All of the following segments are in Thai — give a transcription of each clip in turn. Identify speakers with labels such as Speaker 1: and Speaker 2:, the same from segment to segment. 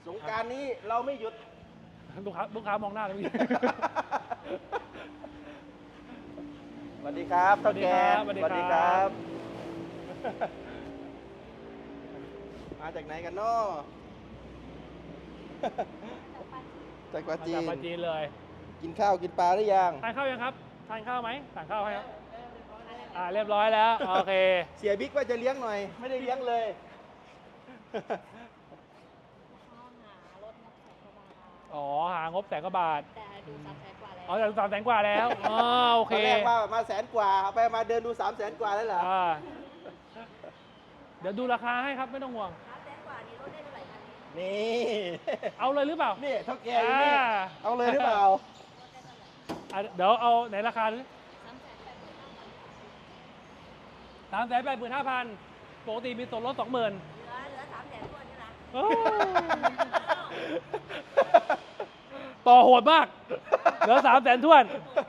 Speaker 1: สงกรานต์นี้เราไม่หยุด
Speaker 2: ลูกค้ามองหน้าเลยพี่
Speaker 1: สวัสดีครับเท่าแก่
Speaker 2: สวัสดีครับ
Speaker 1: มาจากไหนกันเนาะ จากปา
Speaker 2: มา
Speaker 1: จี
Speaker 2: จาก
Speaker 1: น
Speaker 2: ปาจีนเลย
Speaker 1: กินข้าวกินปลาหรือยัง
Speaker 2: ทานข้าวยังครับทานข้าวไหมสั่งข้าวให้ครับเรียบร้อยแล้วโอเค
Speaker 1: เสียบิ๊กว่าจะเลี้ยงหน่อย ไม่ได้เลี้ยงเลย
Speaker 2: อ๋อหางบ100,000 กว่าบาท
Speaker 3: แต่ดู300,000 กว่าแล้ว
Speaker 2: อ๋อจาก300,000 กว่าแล้วอ๋อโอ
Speaker 1: ต
Speaker 2: เค
Speaker 1: อนแรกว่ามา100,000 กว่าเอาไปมาเดินดู300,000 กว่าแล้วเหรอ
Speaker 2: เดี๋ยวดูราคาให้ครับไม่ต้องห่วง
Speaker 3: 300,000 กว่านี้ลดได้เท่าไหร่คะ
Speaker 1: นี่
Speaker 2: เอาเลยหรือเปล่า
Speaker 1: นี่เท่าแก่อยู่นี่เอาเลยหรือเปล่า
Speaker 2: เดี๋ยวเอาไหนราคาดู 385,000 ปกติมีส่วนลด 20,000
Speaker 3: เหลือ300,000 กว่าใช่ไหม
Speaker 2: โอ้ต่อโหดมาก เหลือ300,000ท้วน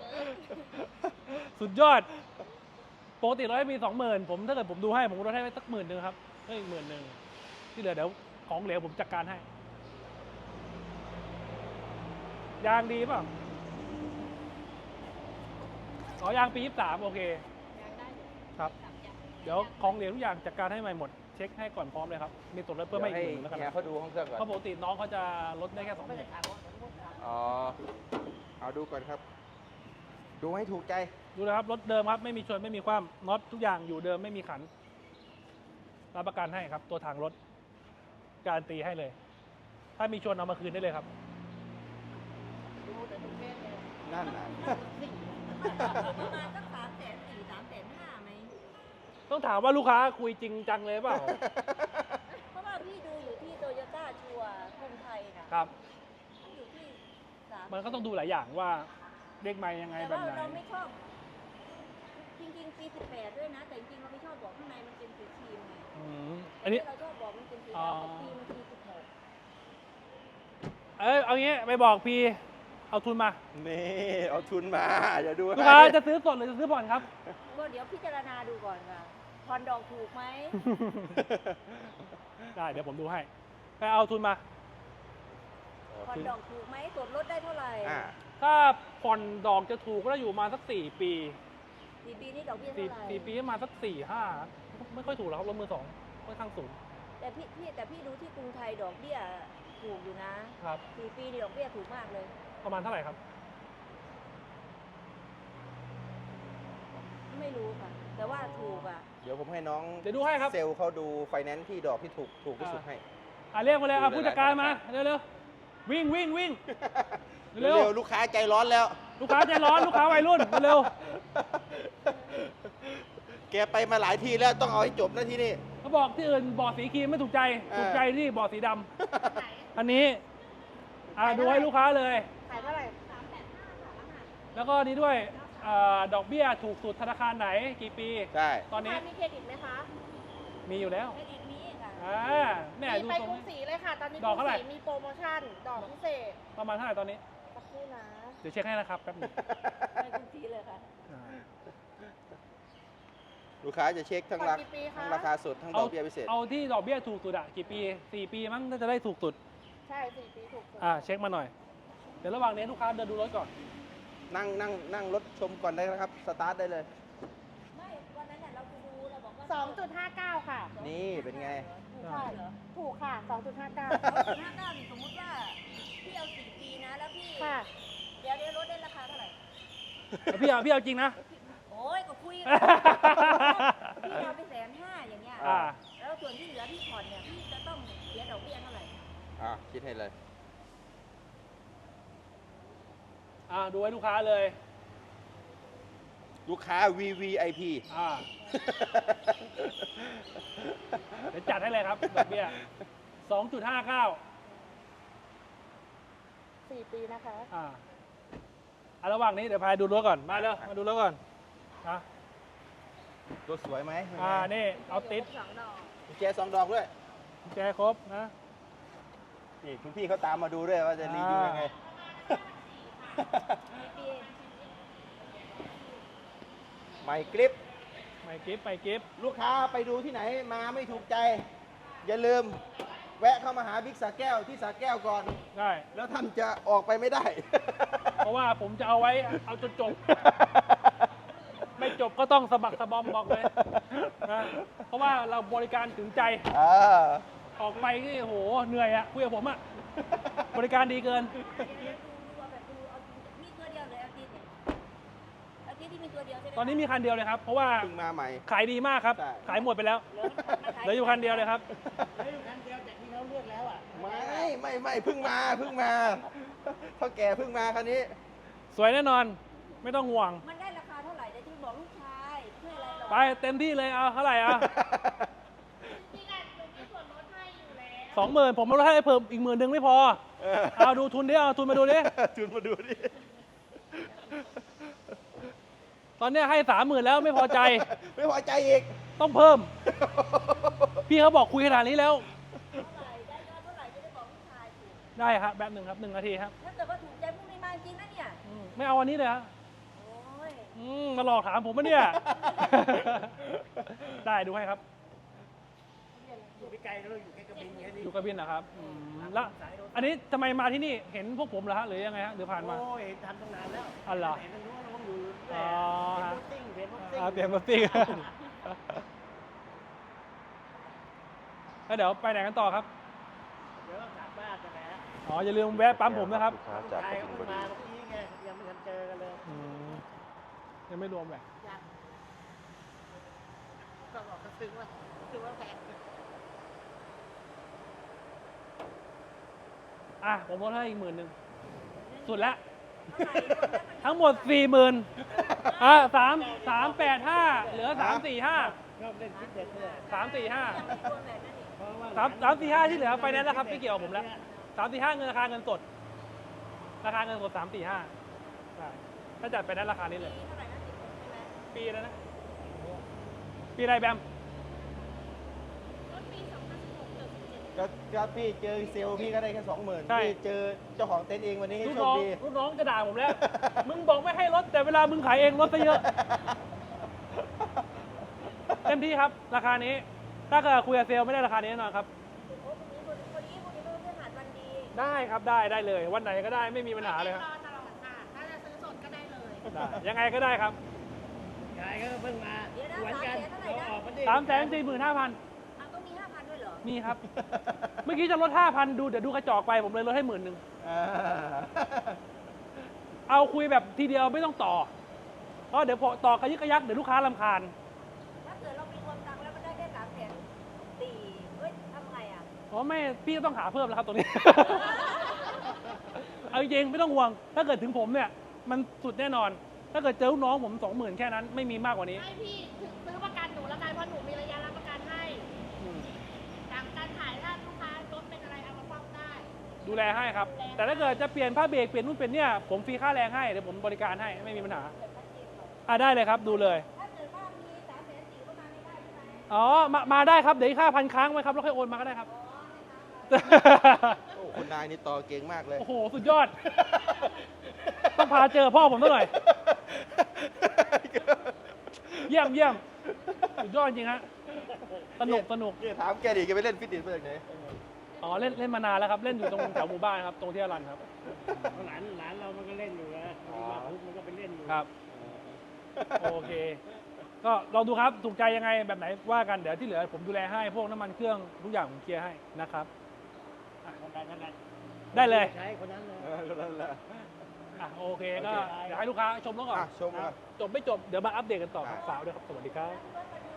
Speaker 2: สุดยอด ปกติเราให้มี 20,000 ผมถ้าเกิดผมดูให้ผมลดให้สัก10,000 ครับเพิ่มอีก10,000 ที่เหลือเดี๋ยวของเหลวผมจัดการให้ ยางดีเปล่าอ๋อยางปี 23 โอเค
Speaker 3: ยังได้อยู่
Speaker 2: ครับ เดี๋ยวของเหลวทุกอย่างจัดการให้ใหม่หมด เช็คให้ก่อนพร้อมเลยครับ มีส่วนลดเพิ่มให้อีก10,000แล้วกัน
Speaker 1: เฮียเขาดูห้องเครื่องก่อน
Speaker 2: เพราะปกติน้องเขาจะลดได้แค่
Speaker 3: ไม่ได้
Speaker 2: 20,000
Speaker 3: ถามว่าผมพูดครับ
Speaker 1: อ๋อ เอาดูก่อนครับ ดูให้ถูกใจ
Speaker 2: ดูนะครับรถเดิมครับไม่มีชนไม่มีความน็อตทุกอย่างอยู่เดิมไม่มีขันรับประกันให้ครับ ตัวถังรถการันตีให้เลย ถ้ามีชนเอามาคืนได้เลยครับ
Speaker 3: ดูแต่ทุกเพศเลย
Speaker 1: นั่นน่ะ
Speaker 3: ประมาณสัก300,000 4 350,000 ไหม
Speaker 2: ต้องถามว่าลูกค้าคุยจริงจังเลยเปล่า
Speaker 3: เพราะว่าพี่ดูอยู่ที่โตโยต้าชัวร์กรุงไทยนะครับ อยู่ที่3
Speaker 2: มันก็ต้องดูหลายอย่างว่าเลขไม้ยังไง
Speaker 3: แต่
Speaker 2: แบบ
Speaker 3: ว่า
Speaker 2: ไหน
Speaker 3: เราไม่ชอบ จริงๆปี18 ด้วยนะ แต่จริงๆเราไม่ชอบบอกข้างในมันเป็นสีครีมไง
Speaker 2: อืมอันนี้
Speaker 3: เราชอบบอกมันเป็นสี
Speaker 2: อ๋อ
Speaker 3: ดำกับปีมันปี16
Speaker 2: เอางี้ไปบอกพี่เอาทุนมา
Speaker 1: นี่ เอาทุนมาอย่าดู
Speaker 2: ลูกค้าจะซื้อสดหรือจะซื้อผ่อนครับ
Speaker 3: ก็เดี๋ยวพิจารณาดูก่อนค่ะผ่อนดอกถูกไหม
Speaker 2: ได้เดี๋ยวผมดูให้ไปเอาทุนมา
Speaker 3: ผ่อนดอกถูกไหมส่วนลดได้เท่าไหร่
Speaker 1: อ่า
Speaker 2: ถ้าผ่อนดอกจะถูกก็จะอยู่มาสัก4 ปี
Speaker 3: 4 ปีนี่ดอกเบี้ย
Speaker 2: สี่
Speaker 3: เท่าไหร่
Speaker 2: สี่ปีประมาณสัก4-5ไม่ค่อยถูกหรอกครับรถมือสองค่อนข้างสูง
Speaker 3: แต่พี่ดูที่กรุงไทยดอกเบี้ยถูกอยู่นะครับ 4 ปีนี่ดอกเบี้ยถูกมากเลย
Speaker 2: ประมาณเท่าไหร่ครับ
Speaker 3: ไม่รู้ค่ะ แต่ว่าถูกอ่ะ
Speaker 1: เดี๋ยวผมให้น้อง
Speaker 2: เดี๋ยวดูให้ครับ
Speaker 1: เซลล์เขาดูไฟแนนซ์ที่ดอกที่ถูกที่สุดให้
Speaker 2: เรียกมาเลย
Speaker 1: ดูเลย
Speaker 2: ผู้จัดการมาเร็วๆวิ่ง เร็
Speaker 1: เร็
Speaker 2: ว
Speaker 1: วๆลูกค้าใจร้อนแล้ว
Speaker 2: ลูกค้าใจร้อนลูกค้าวัยรุ่นเร็ว
Speaker 1: แกไปมาหลายที่แล้วต้องเอาให้จบนะที่นี่
Speaker 2: เขาบอกที่อื่นบอดสีครีมไม่ถูกใจ ถูกใจที่บอดสีดำอันนี้ดูให้ลูกค้าเลย
Speaker 3: ขายเท่าไหร่
Speaker 2: แล้วก็นี้ด้วยดอกเบี้ยถูกสุดธนาคารไหนกี่ปี
Speaker 1: ใช่
Speaker 2: ตอนนี้
Speaker 3: มีเครดิตไหมคะ
Speaker 2: มีอยู่แล้ว
Speaker 3: เครดิตมีค่ะ
Speaker 2: แม่
Speaker 4: มี
Speaker 2: ดู
Speaker 4: ไป
Speaker 2: ทรง
Speaker 4: กรุงศรีเลยค่ะ ตอนนี้
Speaker 2: ดอกเท่าไหร่
Speaker 4: กรุงศรีมีโปรโมชั่น ดอกพิเศษ
Speaker 2: ประมาณเท่าไหร่ตอนนี้
Speaker 4: สักครู่นะ
Speaker 2: เดี๋ยวเช็คให้นะครับแป๊บหนึง
Speaker 3: ไปกรุงศรีเลยค่ะ
Speaker 1: ลูกค้าจะเช็คทั้ง
Speaker 4: ผ่อนกี่ปีคะ
Speaker 1: ทั้งราคาสดทั้งดอกเบี้ยพิเศษ
Speaker 2: เอาที่ดอกเบี้ยถูกสุดกี่ปี4 ปีมั้งน่าจะได้ถูกสุด
Speaker 4: ใช่ 4 ปีถูกสุด
Speaker 2: เช็คมาหน่อย เดี๋ยวระหว่างนี้ลูกค้าเดินดูรถก่อน
Speaker 1: นั่งรถชมก่อนได้นะครับ สตาร์ทได้เลย
Speaker 3: ไม่ วันนั้นน่ะเราไปดูเราบอกว่า
Speaker 4: 2.59 ค่ะ
Speaker 1: นี่เป็นไง
Speaker 3: ถูกค่ะเหรอ
Speaker 4: ถูกค่ะ 2.59
Speaker 3: 2.59นี่สมมุติว่าพี่เอา4 ปีนะ แล้วพี่
Speaker 4: ค่ะ
Speaker 3: เดี๋ยวลดได้ราคาเท่าไหร่
Speaker 2: พี่เอาจริงนะ
Speaker 3: โอ้ยก็คุยกันพี่เอาไป150,000อย่างเงี้ย
Speaker 2: อ่า
Speaker 3: แล้วส่วนที่เหลือพี่ผ่อนเนี่ยพี่จะต้องเสียดอกเบี้ยเท่าไหร่
Speaker 1: คิดให้เลย
Speaker 2: ดูให้ลูกค้าเลย
Speaker 1: ลูกค้า VVIP
Speaker 2: เดี๋ยวจัดให้เลยครับดอกเบี้ย 2.59
Speaker 4: 4 ปีนะคะ
Speaker 2: ระหว่างนี้เดี๋ยวพาดูรถก่อน มาเร็วมาดูรถก่อน
Speaker 1: รถสวยไหม
Speaker 2: นี่เอาติด
Speaker 3: 2 ดอก
Speaker 1: กุญแจ2 ดอกด้วย
Speaker 2: แจครบนะ
Speaker 1: นี่คุณพี่เขาตามมาดูด้วยว่าจะรีวิวยังไง
Speaker 3: ปี
Speaker 1: ใหม่กริป
Speaker 2: ไปกิฟต์
Speaker 1: ลูกค้าไปดูที่ไหนมาไม่ถูกใจ อย่าลืมแวะเข้ามาหาบิ๊กสาแก้วที่สาแก้วก่อน
Speaker 2: ได้
Speaker 1: แล้วท่านจะออกไปไม่ได้
Speaker 2: เพราะว่าผมจะเอาไว้เอาจนจบ ไม่จบก็ต้องสะบักสะบอมบอกเลยนะเพราะว่าเราบริการถึงใจ
Speaker 1: อ่า
Speaker 2: ออกไปนี่โหเหนื่อยอะคุยกับผมอะบริการดีเกิน
Speaker 3: ดูเอาแบบดูเอามีตัวเดียวเลยอาทิตย์เนี่ยอาทิตย์ที่มีตัวเดียวใช่ไหม
Speaker 2: ตอนนี้มีคันเดียวเลยครับ เพราะว่า
Speaker 1: เพิ่งมาใหม่
Speaker 2: ขายดีมากครับ
Speaker 1: ใช่
Speaker 2: ขายหมดไปแล้ว เหลืออยู่คันเดียวเลยครับ
Speaker 1: ไม่เพิ่งมาเท่าแก่เพิ่งมาคันนี้
Speaker 2: สวยแน่นอน ไม่ต้องห่วง
Speaker 3: มันได้ราคาเท่าไหร่เดี๋ยวที่บอกลูกชายเพื่ออะไรหรอ
Speaker 2: ไปเต็มที่เลยเอาเท่าไหร่อ่ะ
Speaker 4: พี่กันหนูมีส่วนลดให้อยู่แล้ว
Speaker 2: 20,000ผมลดให้เพิ่มอีก10,000ไม่พอ เอาดูทุนดิเอาทุนมาดูดิ
Speaker 1: จุนมาดูดิ
Speaker 2: ตอนเนี้ยให้30,000แล้วไม่พอใจ
Speaker 1: ไม่พอใจอีก
Speaker 2: ต้องเพิ่ม พี่เขาบอกคุยขนาดนี้แล้ว
Speaker 3: เท่าไหร่ได้ยอดเท่าไหร่จะได้บอกลูกชายถูก
Speaker 2: ได้ครับแบบหนึ่งครับ1 นาทีครับ
Speaker 3: ถ้าเกิดว่าถูกใจพวกนี้มาจริงนะเนี่ย
Speaker 2: ไม่เอาวันนี้เลยฮะ
Speaker 3: โอ้ย
Speaker 2: มาหลอกถามผมปะเนี่ย ได้ดูให้ครับ
Speaker 5: อยู่ไม่ไกลแล้วอยู่แค่กระบินแค่นี้
Speaker 2: อยู่กระบินนะครับแล้วอันนี้ทำไมมาที่นี่เห็นพวกผมเหรอฮะหรือยังไงฮะหรือผ่านมา
Speaker 5: โอ้ยทำตั้งนานแล้ว
Speaker 2: อ๋อเหรอ
Speaker 5: เห็นมันรู้ว่าน้องอยู่
Speaker 2: อ๋อ
Speaker 5: เห็นรถซิ่ง
Speaker 2: เปลี่ยนมาปิ้ง แล้วเดี๋ยวไปไหนกันต่อครับ
Speaker 5: เดี๋ยวกลับบ้านกันนะ
Speaker 2: อ๋ออย่าลืมแวะปั๊มผมนะครับ
Speaker 1: ลูกค้าจาก
Speaker 5: ชาย
Speaker 1: ก
Speaker 5: เขา
Speaker 1: บิน
Speaker 5: เพิ่ง
Speaker 1: บุรี
Speaker 5: มาเมื่อกี้ไงยังไม่ทันเจอกันเลย
Speaker 2: ยังไม่รวมเลย
Speaker 4: ก็บอกก็ซื้อว่าแพง
Speaker 2: อ่ะผมลดให้อีก10,000สุดแล้ว
Speaker 3: เท่าไหร่รวมแล้วมัน
Speaker 2: ทั้งหมด 40,000385เหลือ345
Speaker 5: ชอบเล่นฟิตเนสเนี่ย
Speaker 2: 345
Speaker 3: ยังไม่รวมแบบนั้นอีก
Speaker 5: เพราะว่า
Speaker 2: 345ที่เหลือไฟแนนซ์แล้วครับไม่เกี่ยวกับผมแล้ว345เงินราคาเงินสด ราคาเงินสด345ใช่ถ้าจัดไฟแนนซ์ราคานี้เลย
Speaker 3: ปีเท่าไหร่นะ16ใช่ไหม
Speaker 2: ปีแล้วนะ ปีอะไรแบม
Speaker 4: รถปี2016เกือบ17
Speaker 1: ก็พี่เจอเซลล์พี่ก็ได้แค่20,000
Speaker 2: ใช่
Speaker 1: พี่เจอเจ้าของเต็นท์เองวันนี้ให้
Speaker 2: ลูก
Speaker 1: โช
Speaker 2: น้
Speaker 1: ค
Speaker 2: อง
Speaker 1: ดี
Speaker 2: ลูกน้องจะด่าผมแล้ว มึงบอกไม่ให้ลดแต่เวลามึงขายเองลดซะเยอะ เต็มที่ครับ ราคานี้ ถ้าเกิดคุยกับเซลล์ไม่ได้ราคานี้แน่นอนครับ
Speaker 3: โอ้พรุ่งนี้เป็นเพื่อนหาดวันดี
Speaker 2: ได้ครับได้เลย วันไหนก็ได้ไม่มีปัญหาเลยครับ
Speaker 4: รอตลอดค่ะ ถ้าจะซื้อสดก็ได้เลย
Speaker 2: ได้ยังไงก็ได้ครับ
Speaker 5: ชายก็เพิ่งมาเหมือนกันเราออกมาดิ
Speaker 2: 345,000
Speaker 3: อ้าวต้องมี5,000ด้วยเหรอ
Speaker 2: มีครับ เมื่อกี้จะลด 5,000 ดูเดี๋ยวดูกระจอกไปผมเลยลดให้10,000
Speaker 1: อ่า
Speaker 2: เอาคุยแบบทีเดียวไม่ต้องต่อ เพราะเดี๋ยวพอต่อกระยึกกระยักเดี๋ยวลูกค้ารำคาญ
Speaker 3: ถ้าเกิดเรามีรวมตังค์แล้วมันได้แค่300,000เฮ้ยทำไงอ่ะ
Speaker 2: อ๋อไม่พี่ต้องหาเพิ่มแล้วครับตรงนี้ เอาจริงๆไม่ต้องห่วง ถ้าเกิดถึงผมเนี่ย มันสุดแน่นอน ถ้าเกิดเจอลูกน้องผม 20,000 แค่นั้นไม่มีมากกว่านี้
Speaker 4: ให้พี่ถึงซื้อประกันหนูแล้วกันเพราะหนูมีระยะรับประกันให้จากการขายถ้าลูกค้ารถเป็นอะไรเอามาซ่อมได้
Speaker 2: ดูแลให้ครับ แต่ถ้าเกิดจะเปลี่ยนผ้าเบรกเปลี่ยนนู่นเปลี่ยนเนี่ยผมฟรีค่าแรงให้เดี๋ยวผมบริการให้ไม่มีปัญหาได้เลยครับดูเลย
Speaker 3: ถ้าเกิดว่ามี300,000ก็มาไม่ได้ใช่ไหม
Speaker 2: อ๋อมาได้ครับเดี๋ยวอีกค่าพันค้างไว้ครับแล้วค่อยโอนมาก็ได้ครับ
Speaker 1: โอ้คุณนายนี่ต่อเก่งมากเลย
Speaker 2: โอ้โหสุดยอด ต้องพาเจอพ่อผมซะหน่อย เยี่ยมสุดยอดจริงฮะสนุก
Speaker 1: นี่ถามแกดิแกไปเล่นฟิตเนสมาจากไหน
Speaker 2: อ๋อเล่นมานานแล้วครับ เล่นอยู่ตรงแถวหมู่บ้านครับ ตรงที่อรันครับ
Speaker 5: หลานเรามันก็เล่นอยู่นะมาปุ๊บมันก็ไปเล่นอยู่
Speaker 2: ครับ โอเค ก็ลองดูครับ ถูกใจยังไงแบบไหนว่ากัน เดี๋ยวที่เหลือผมดูแลให้ พวกน้ำมันเครื่องทุกอย่างผมเคลียร์ให้นะครับ
Speaker 5: คนนั้น
Speaker 2: ได้เลย
Speaker 5: ใช้คนนั้นเลย
Speaker 1: ก็นั่นแหละ
Speaker 2: อ่ะโอเคก็เดี๋ยวให้ลูกค้าชมแล้วก่อน
Speaker 1: อ่ะชมก่อน
Speaker 2: จบไม่จบ เดี๋ยวมาอัปเดตกันต่อครับ
Speaker 1: ได้
Speaker 2: ฝากด้วยครับ สวัสดีครับ
Speaker 3: รถมาดู